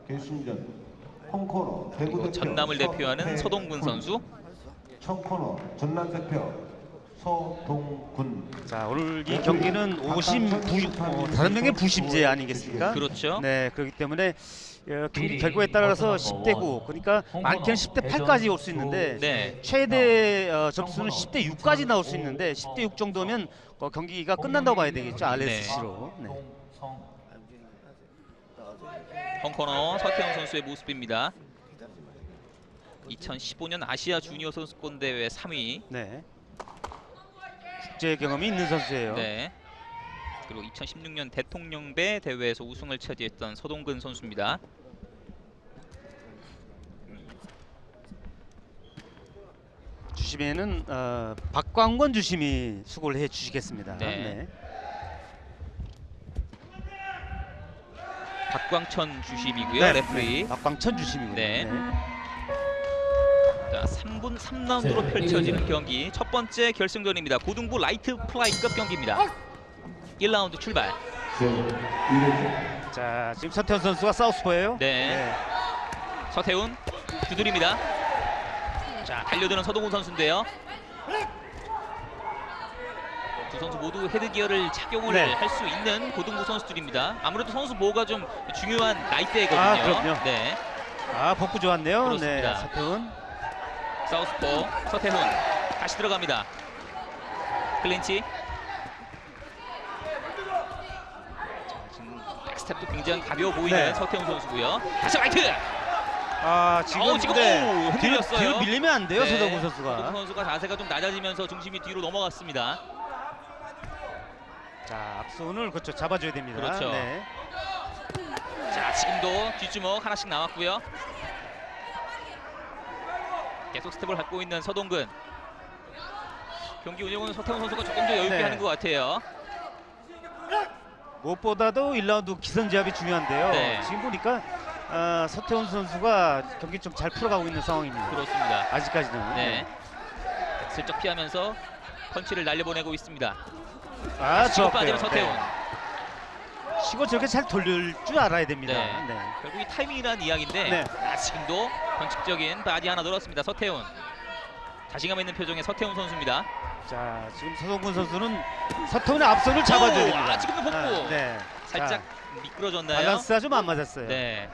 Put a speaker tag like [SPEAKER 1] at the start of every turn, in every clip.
[SPEAKER 1] 결승전 홈코너 대구 대표
[SPEAKER 2] 전남을 대표하는 서동근 선수.
[SPEAKER 1] 청코너 전남 대표 서동군.
[SPEAKER 3] 자, 오늘 이 경기는 오심 다른 명의 부심제 아니겠습니까?
[SPEAKER 2] 그렇죠.
[SPEAKER 3] 네, 그렇기 때문에 경기 결과에 따라서 10대 9, 그러니까 많게는 10대 8까지 올 수 있는데
[SPEAKER 2] 네.
[SPEAKER 3] 최대 점수는 10대 6까지 나올 수 있는데 10대 6 정도면 경기가 끝난다고 봐야 되겠죠. RSC로. 네.
[SPEAKER 2] 홈코너 서태웅 선수의 모습입니다. 2015년 아시아 주니어 선수권 대회 3위.
[SPEAKER 3] 네. 국제 경험이 있는 선수예요.
[SPEAKER 2] 네. 그리고 2016년 대통령배 대회에서 우승을 차지했던 서동근 선수입니다.
[SPEAKER 3] 주심에는 박광권 주심이 수고를 해 주시겠습니다.
[SPEAKER 2] 네.
[SPEAKER 3] 네.
[SPEAKER 2] 박광천 주심이고요.
[SPEAKER 3] 네,
[SPEAKER 2] 레프리.
[SPEAKER 3] 네. 박광천 주심이고요.
[SPEAKER 2] 네.
[SPEAKER 3] 네.
[SPEAKER 2] 자, 3분 3라운드로 펼쳐지는 경기. 첫 번째 결승전입니다. 고등부 라이트 플라이급 경기입니다. 1라운드 출발.
[SPEAKER 3] 자, 지금 서태훈 선수가 사우스포예요.
[SPEAKER 2] 네. 서태훈 두드립니다. 자, 달려드는 서동훈 선수인데요. 두 선수 모두 헤드기어를 착용을
[SPEAKER 3] 네.
[SPEAKER 2] 할 수 있는 고등부 선수들입니다. 아무래도 선수 보호가 좀 중요한 나이대거든요.
[SPEAKER 3] 아, 그럼요.
[SPEAKER 2] 네.
[SPEAKER 3] 아, 복부 좋았네요.
[SPEAKER 2] 그렇습니다.
[SPEAKER 3] 네, 서태훈.
[SPEAKER 2] 사우스포 서태훈 다시 들어갑니다. 클린치. 자, 지금 백스텝도 굉장히 가벼워 보이는
[SPEAKER 3] 네.
[SPEAKER 2] 서태훈 선수고요. 다시 라이트.
[SPEAKER 3] 아, 지금
[SPEAKER 2] 지금
[SPEAKER 3] 네.
[SPEAKER 2] 흔들렸어요.
[SPEAKER 3] 뒤로 밀리면 안 돼요,
[SPEAKER 2] 네.
[SPEAKER 3] 서동훈 선수가.
[SPEAKER 2] 서동훈 선수가 자세가 좀 낮아지면서 중심이 뒤로 넘어갔습니다.
[SPEAKER 3] 자, 앞손을 그렇죠, 잡아줘야 됩니다.
[SPEAKER 2] 그렇죠.
[SPEAKER 3] 네.
[SPEAKER 2] 자, 지금도 뒷주먹 하나씩 나왔고요. 계속 스텝을 갖고 있는 서동근. 경기 운영은 서태훈 선수가 조금 더 여유있게
[SPEAKER 3] 네.
[SPEAKER 2] 하는 것 같아요.
[SPEAKER 3] 무엇보다도 1라운드 기선제압이 중요한데요.
[SPEAKER 2] 네.
[SPEAKER 3] 지금 보니까 서태훈 선수가 경기 좀 잘 풀어가고 있는 상황입니다.
[SPEAKER 2] 그렇습니다.
[SPEAKER 3] 아직까지는.
[SPEAKER 2] 네. 슬쩍 피하면서 펀치를 날려보내고 있습니다.
[SPEAKER 3] 아,
[SPEAKER 2] 치고
[SPEAKER 3] 좋았고요.
[SPEAKER 2] 빠지는 서태훈.
[SPEAKER 3] 네. 치고 저렇게 잘 돌릴 줄 알아야 됩니다.
[SPEAKER 2] 네.
[SPEAKER 3] 네.
[SPEAKER 2] 결국 이 타이밍이라는 이야기인데
[SPEAKER 3] 네.
[SPEAKER 2] 지금도 변칙적인 바디 하나 넣었습니다. 서태훈. 자신감 있는 표정의 서태훈 선수입니다.
[SPEAKER 3] 자, 지금 서동근 선수는 서태훈의 앞손을 잡아줘야
[SPEAKER 2] 오,
[SPEAKER 3] 됩니다.
[SPEAKER 2] 지금도 복부.
[SPEAKER 3] 네.
[SPEAKER 2] 살짝
[SPEAKER 3] 자,
[SPEAKER 2] 미끄러졌나요?
[SPEAKER 3] 밸런스가 좀 안 맞았어요.
[SPEAKER 2] 네.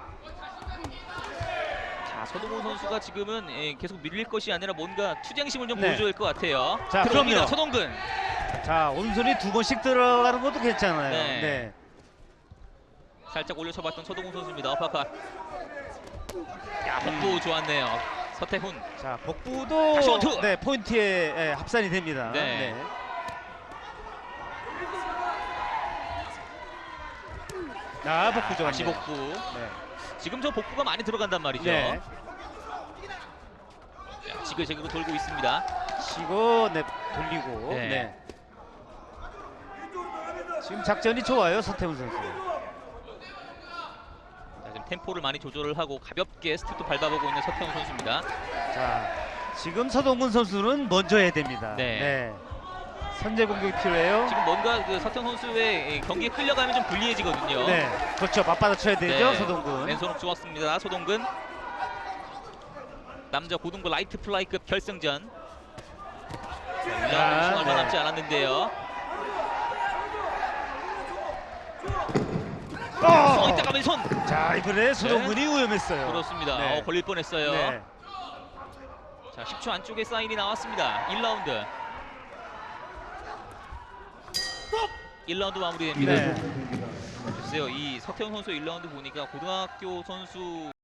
[SPEAKER 2] 자, 서동훈 선수가 지금은 계속 밀릴 것이 아니라 뭔가 투쟁심을 좀
[SPEAKER 3] 네.
[SPEAKER 2] 보여줘야 할 것 같아요.
[SPEAKER 3] 자,
[SPEAKER 2] 들어옵니다.
[SPEAKER 3] 그럼요.
[SPEAKER 2] 서동근.
[SPEAKER 3] 자, 오른손이 2번씩 들어가는 것도 괜찮아요.
[SPEAKER 2] 네.
[SPEAKER 3] 네.
[SPEAKER 2] 살짝 올려쳐봤던 서동훈 선수입니다. 어퍼컷. 야, 복부 좋았네요. 서태훈.
[SPEAKER 3] 자,
[SPEAKER 2] 다시
[SPEAKER 3] 복부도
[SPEAKER 2] 원투!
[SPEAKER 3] 네, 포인트에 합산이 됩니다.
[SPEAKER 2] 네.
[SPEAKER 3] 아, 복부 좋았네요.
[SPEAKER 2] 다시 복부.
[SPEAKER 3] 네.
[SPEAKER 2] 지금 저 복부가 많이 들어간단 말이죠.
[SPEAKER 3] 네.
[SPEAKER 2] 자, 지그재그로 돌고 있습니다.
[SPEAKER 3] 치고 네, 돌리고.
[SPEAKER 2] 네.
[SPEAKER 3] 네. 지금 작전이 좋아요, 서태훈 선수.
[SPEAKER 2] 자, 지금 템포를 많이 조절을 하고 가볍게 스텝도 밟아보고 있는 서태훈 선수입니다.
[SPEAKER 3] 자, 지금 서동근 선수는 먼저 해야 됩니다.
[SPEAKER 2] 네.
[SPEAKER 3] 선제 공격이 필요해요.
[SPEAKER 2] 지금 뭔가 그 서태훈 선수의 경기에 끌려가면 좀 불리해지거든요.
[SPEAKER 3] 네, 그렇죠. 맞받아 쳐야 되죠,
[SPEAKER 2] 네.
[SPEAKER 3] 서동근.
[SPEAKER 2] 왼손목 좋았습니다. 소동근. 남자 고등부 라이트 플라이급 결승전. 1라운드 우승 얼마
[SPEAKER 3] 네.
[SPEAKER 2] 남지 않았는데요. 이따가 왼손.
[SPEAKER 3] 자, 이번에 서동근이 위험했어요.
[SPEAKER 2] 그렇습니다.
[SPEAKER 3] 네.
[SPEAKER 2] 걸릴 뻔했어요.
[SPEAKER 3] 네.
[SPEAKER 2] 자, 10초 안쪽에 사인이 나왔습니다. 1라운드. 1라운드 마무리됩니다.
[SPEAKER 3] 네.
[SPEAKER 2] 글쎄요, 이 서태훈 선수 1라운드 보니까 고등학교 선수